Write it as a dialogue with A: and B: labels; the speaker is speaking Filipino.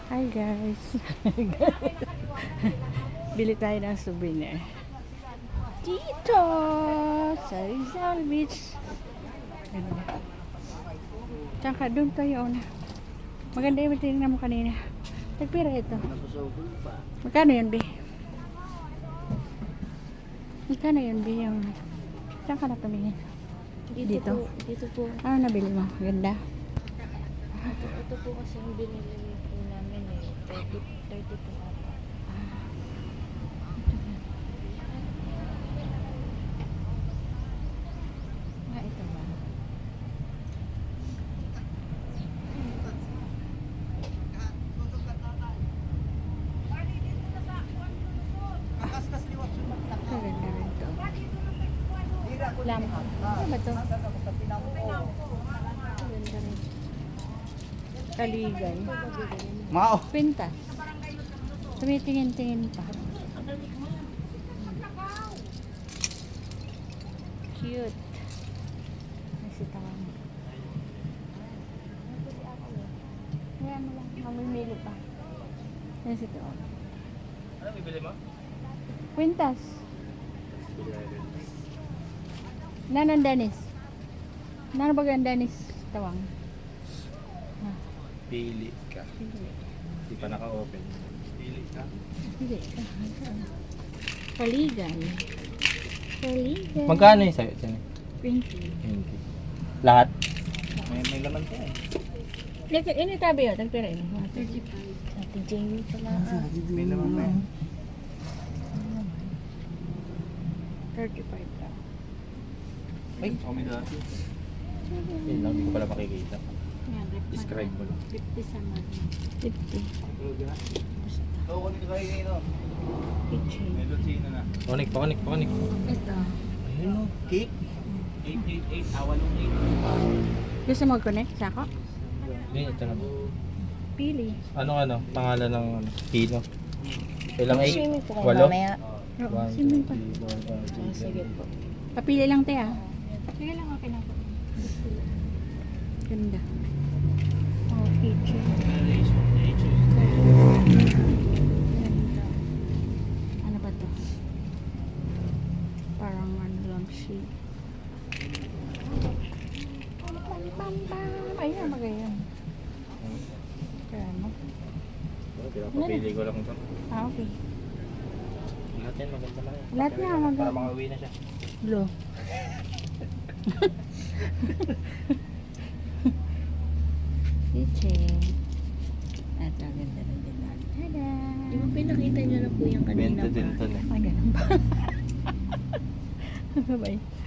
A: Hi guys. Bili tayo ng souvenir. Dito sa Rizal Beach. Tsaka doon tayo na. Maganda yung tinignan mo kanina. Tagpira ito. Magkano yun, Bi? Magkano yun, Bi? Saan ka na tumingin? Dito?
B: Dito po.
A: Ano nabili mo? Ganda?
B: Ito po kasi yung binili po namin eh. 30 po ata.
A: Ito ba? Maganda rin to. Lamham. Ano ba to? Maganda rin. Kaligay.
C: Mao.
A: Pintas. Tumitingin-tingin pa. Cute. Nasitawan. Kaya mo lang. Mamimili pa. Nasitawan.
C: Ano bibili mo?
A: Quintas. Nanon Dennis. Nanon ba ang Dennis? Tawang.
C: Pili ka. Hindi pa naka-open. Pili ka.
A: Hindi. Paligay. Paligay.
C: Magkano yung sa'yo?
A: 20.
C: 20. Lahat? May laman ka eh.
A: Ini tabi yun. Tagpira ini.
B: 35. Ate Jamie pala.
C: May laman pa eh.
A: 35 lang.
C: Ay, kami dati. Yun lang, hindi ko pala makikita.
A: Yan,
C: Describe mo lang.
A: 50 sa mga. 50.
C: Ito, kunin ko kayo ngayon.
A: Kitchen.
C: May lutsina na. Pakonik.
A: Ito.
C: Ayun o, cake. 888, awa nung 8.
A: Gusto mo connect sa ako?
C: Hindi, ito na.
A: Pili.
C: Anong pangalan ng Pino? Ilang 8?
B: Swimming po kayo
C: Walo?
B: mamaya.
A: Oo, swimming pa.
B: Sige po.
A: Papili lang tayo ah. Sige lang, okay na po. Ganda. Oh, kitchen. Ganda. Ano ba to? Parang ano lang sheet. Pam. Ayun, magayon. Kaya mo.
C: Pinapapili ko lang ito.
A: Ah, okay.
C: Lahat yan, maganda lang.
A: Lahat na, maganda.
C: Para makauwi na siya.
A: Blue. Kitchen. At ang ganda ng dinan. Tada!
B: Di ba pinakita niyo na po yung kanina
C: 20 din
B: pa?
C: ito na.
A: Ay, ganun ba? Bye-bye.